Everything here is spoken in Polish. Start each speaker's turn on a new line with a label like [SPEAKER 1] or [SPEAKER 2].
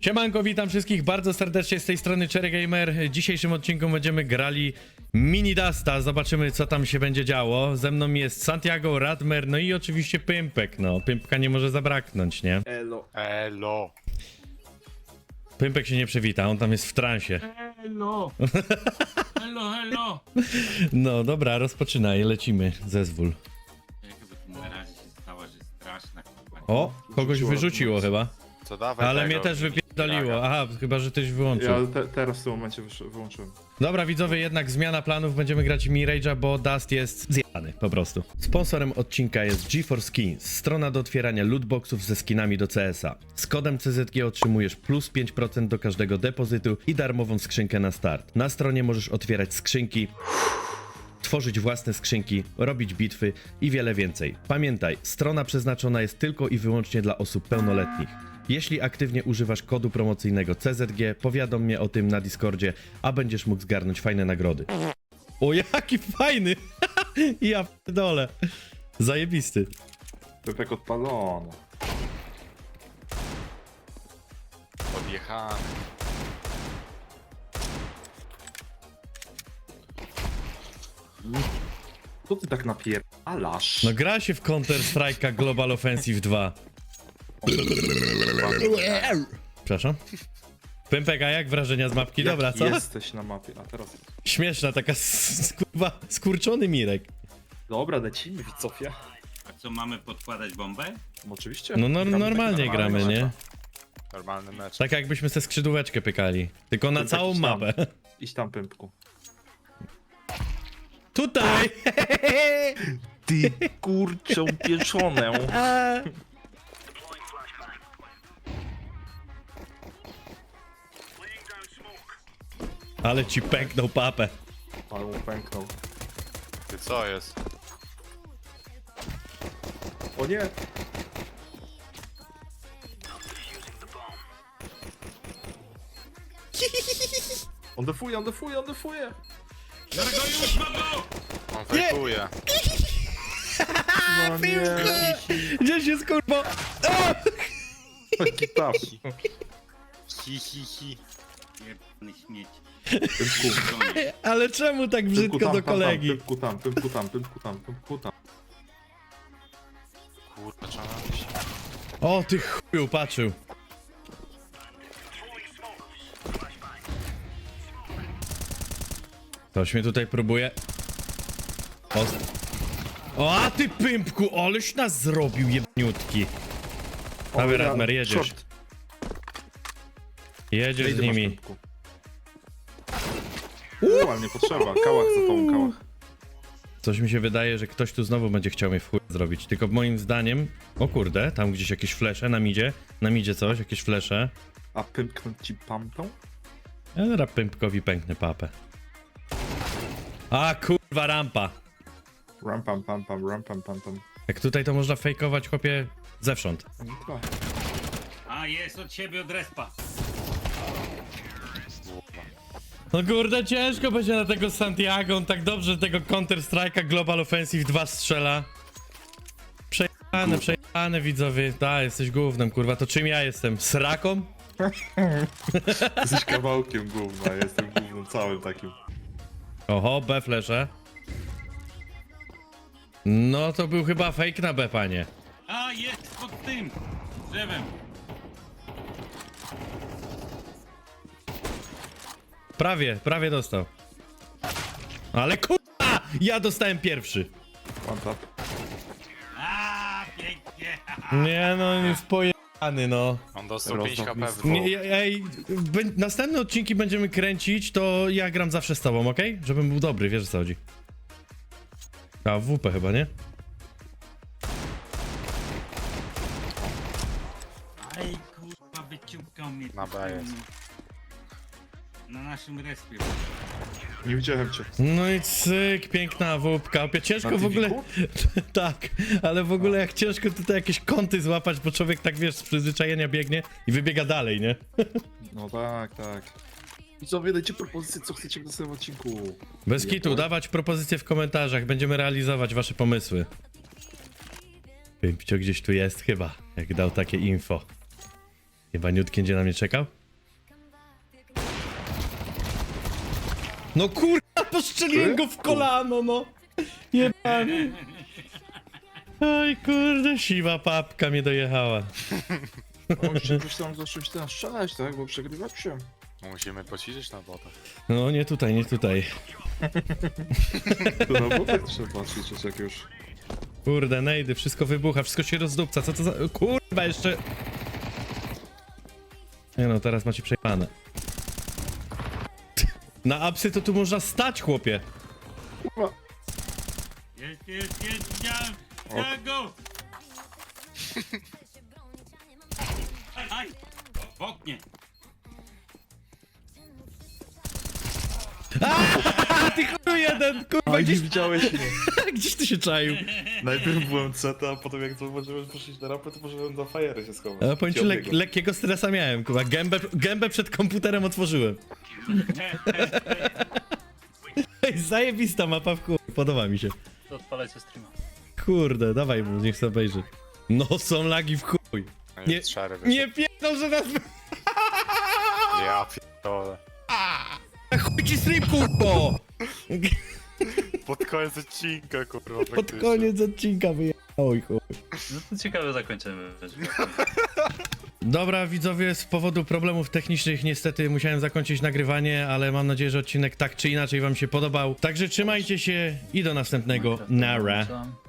[SPEAKER 1] Siemanko, witam wszystkich bardzo serdecznie z tej strony Cherry Gamer. W dzisiejszym odcinku będziemy grali Mini Dusta. Zobaczymy, co tam się będzie działo. Ze mną jest Santiago, Radmer, no i oczywiście Pympek. No, Pympka nie może zabraknąć, nie?
[SPEAKER 2] Elo.
[SPEAKER 3] Elo.
[SPEAKER 1] Pympek się nie przywita, on tam jest w transie.
[SPEAKER 2] Elo. Elo, elo.
[SPEAKER 1] No dobra, rozpoczynaj, lecimy. Zezwól.
[SPEAKER 2] Jakby tu na razie się stała, że straszna kurwa.
[SPEAKER 1] O, kogoś wyrzuciło chyba.
[SPEAKER 3] Co dawaj
[SPEAKER 1] Ale
[SPEAKER 3] tego,
[SPEAKER 1] mnie też
[SPEAKER 3] mini
[SPEAKER 1] wypierdoliło.
[SPEAKER 3] draga.
[SPEAKER 1] Aha, chyba, że ktoś wyłączył.
[SPEAKER 4] Ja teraz w tym momencie wyłączyłem.
[SPEAKER 1] Dobra widzowie, jednak zmiana planów, będziemy grać Mirage'a, bo Dust jest zjadany po prostu. Sponsorem odcinka jest GeForce Skins, strona do otwierania lootboxów ze skinami do CS-a. Z kodem CZG otrzymujesz plus 5% do każdego depozytu i darmową skrzynkę na start. Na stronie możesz otwierać skrzynki, tworzyć własne skrzynki, robić bitwy i wiele więcej. Pamiętaj, strona przeznaczona jest tylko i wyłącznie dla osób pełnoletnich. Jeśli aktywnie używasz kodu promocyjnego CZG, powiadom mnie o tym na Discordzie, a będziesz mógł zgarnąć fajne nagrody. O, jaki fajny! Ja pierdolę. Zajebisty.
[SPEAKER 4] Pepek odpalony.
[SPEAKER 3] Odjechany.
[SPEAKER 4] Co ty tak napierdalasz?
[SPEAKER 1] No gra się w Counter Strike'a Global Offensive 2. Przepraszam? Pympek, a jak wrażenia z mapki?
[SPEAKER 4] Jak
[SPEAKER 1] Dobra, co?
[SPEAKER 4] jesteś na mapie, a teraz...
[SPEAKER 1] Śmieszna, taka kurwa skurczony Mirek.
[SPEAKER 4] Dobra, lecimy widzowie.
[SPEAKER 2] A co, mamy podkładać bombę?
[SPEAKER 4] Oczywiście.
[SPEAKER 1] No
[SPEAKER 4] Gramy
[SPEAKER 1] normalnie
[SPEAKER 4] tak
[SPEAKER 1] gramy, nie?
[SPEAKER 3] Normalny mecz.
[SPEAKER 1] Tak jakbyśmy se skrzydłeczkę pykali. Tylko na
[SPEAKER 4] Pympek,
[SPEAKER 1] całą
[SPEAKER 4] idź tam.
[SPEAKER 1] mapę.
[SPEAKER 4] Idź tam, Pympku.
[SPEAKER 1] Tutaj!
[SPEAKER 4] Ty kurczą pieczonę.
[SPEAKER 1] Ale ci pęknął papę.
[SPEAKER 4] Ale mu pęknął.
[SPEAKER 3] Ty co jest?
[SPEAKER 4] O nie! On defuje, on defuje, on defuje!
[SPEAKER 2] Biorę go już, mam go!
[SPEAKER 3] On fejkuje.
[SPEAKER 4] No nie!
[SPEAKER 1] Gdzieś jest kurwa?
[SPEAKER 4] Taki tap.
[SPEAKER 3] Hi, hi, hi.
[SPEAKER 2] Pierdolony śmieć.
[SPEAKER 4] Pympku.
[SPEAKER 1] Ale czemu tak
[SPEAKER 4] Pympku
[SPEAKER 1] brzydko
[SPEAKER 4] tam,
[SPEAKER 1] do
[SPEAKER 4] tam,
[SPEAKER 1] kolegi?
[SPEAKER 4] Pympku tam, Pympku tam, Pympku tam, Pympku tam.
[SPEAKER 3] Kurwa, trzeba się.
[SPEAKER 1] O, ty chuju, patrzył. Ktoś mnie tutaj próbuje. O, a ty pympku, aleś nas zrobił jebniutki. Dawaj, Radmer, jedziesz.
[SPEAKER 4] Short.
[SPEAKER 1] Jedziesz z
[SPEAKER 4] Idę, masz,
[SPEAKER 1] nimi.
[SPEAKER 4] Pympku. Ale nie potrzeba, kałach za tą kałach.
[SPEAKER 1] Coś mi się wydaje, że ktoś tu znowu będzie chciał mnie w chuj zrobić. Tylko moim zdaniem... O kurde, tam gdzieś jakieś flesze na midzie. Na midzie coś, jakieś flesze.
[SPEAKER 4] A pymknąć ci pampą?
[SPEAKER 1] Ja zaraz pympkowi pęknę papę. A kurwa, rampa.
[SPEAKER 4] Ram pam pam pam, ram pam pam pam.
[SPEAKER 1] Jak tutaj to można fejkować, chłopie, zewsząd.
[SPEAKER 4] No trochę.
[SPEAKER 2] A, jest od siebie, od respa.
[SPEAKER 1] No kurde, ciężko będzie na tego Santiago, on tak dobrze tego Counter Strike'a Global Offensive 2 strzela. Przejechane widzowie, da, jesteś gównem, kurwa, to czym ja jestem? Sraką?
[SPEAKER 4] Jesteś kawałkiem gówna, ja jestem gównem całym takim.
[SPEAKER 1] Oho, B flesze. No to był chyba fake na B, panie.
[SPEAKER 2] A, jest pod tym drzewem.
[SPEAKER 1] Prawie dostał. Ale kurwa, ja dostałem pierwszy.
[SPEAKER 4] One tap.
[SPEAKER 2] A, pięknie.
[SPEAKER 1] Nie no, on jest pojechany, no.
[SPEAKER 3] On dostał
[SPEAKER 4] Rozdał
[SPEAKER 3] 5 HP w
[SPEAKER 1] Nie,
[SPEAKER 3] dwóch.
[SPEAKER 1] ej, następne odcinki będziemy kręcić, to ja gram zawsze z tobą, okej? Żebym był dobry, wiesz o co chodzi. A, w WP chyba, nie?
[SPEAKER 2] Aj, kurwa, wyciągał mnie.
[SPEAKER 3] Na B jest.
[SPEAKER 2] Na naszym respie.
[SPEAKER 4] Nie widziałem cię.
[SPEAKER 1] No i cyk, piękna WP. Ciężko
[SPEAKER 4] Na
[SPEAKER 1] w ogóle...
[SPEAKER 4] TV-ku?
[SPEAKER 1] Tak, ale w ogóle jak ciężko tutaj jakieś kąty złapać, bo człowiek tak, wiesz, z przyzwyczajenia biegnie i wybiega dalej, nie?
[SPEAKER 4] No tak, tak. I co, dajcie propozycje, co chcecie w następnym odcinku.
[SPEAKER 1] Bez kitu, dawać propozycje w komentarzach, będziemy realizować wasze pomysły. Pimpcio gdzieś tu jest chyba, jak dał takie info. Jebaniutki będzie na mnie czekał? No kurwa, postrzeliłem go w kolano, no! Jebany. Oj kurde, siwa papka mnie dojechała.
[SPEAKER 4] O, jeszcze jakoś tam zacząć tam strzelać, tak? Bo przegrywać się.
[SPEAKER 3] Musimy poćwiczyć na botach.
[SPEAKER 1] No nie tutaj, nie tutaj.
[SPEAKER 4] To na botek trzeba patrzeć, jak już.
[SPEAKER 1] Kurde, nejdy, wszystko wybucha, wszystko się rozdupca, co to za... Kurwa, jeszcze... Nie no, teraz macie przejebane. Na apsy to tu można stać, chłopie.
[SPEAKER 4] Kurwa.
[SPEAKER 2] Jest, widziałem! Widziałem go! Aj! W oknie!
[SPEAKER 1] A ty chuj jeden, kurwa,
[SPEAKER 4] A nie
[SPEAKER 1] gdzieś,
[SPEAKER 4] widziałeś mnie.
[SPEAKER 1] gdzieś ty się czaił.
[SPEAKER 4] Najpierw byłem CT, a potem jak zauważyłem, że poszliś na rampę, to poszedłem do fajery się schować.
[SPEAKER 1] A powiem ci, lekkiego stresa miałem, kurwa, gębę przed komputerem otworzyłem. Ej, zajebista mapa w chuj, podoba mi się.
[SPEAKER 5] To odpalajcie streama.
[SPEAKER 1] Kurde, dawaj mu, niech sobie obejrzy. No są lagi w chuj.
[SPEAKER 3] No
[SPEAKER 1] Nie-
[SPEAKER 3] i szary wyszedł.
[SPEAKER 1] Nie pierdol, że nas...
[SPEAKER 3] Ja pierdolę.
[SPEAKER 1] Chuj ci stream, kurwo!
[SPEAKER 3] Pod koniec odcinka, kurwa,
[SPEAKER 1] Pod
[SPEAKER 3] praktycznie.
[SPEAKER 1] koniec odcinka wyjechał, chuj.
[SPEAKER 5] No to ciekawe zakończymy.
[SPEAKER 1] Dobra, widzowie, z powodu problemów technicznych niestety musiałem zakończyć nagrywanie, ale mam nadzieję, że odcinek tak czy inaczej wam się podobał. Także trzymajcie się i do następnego. Nara.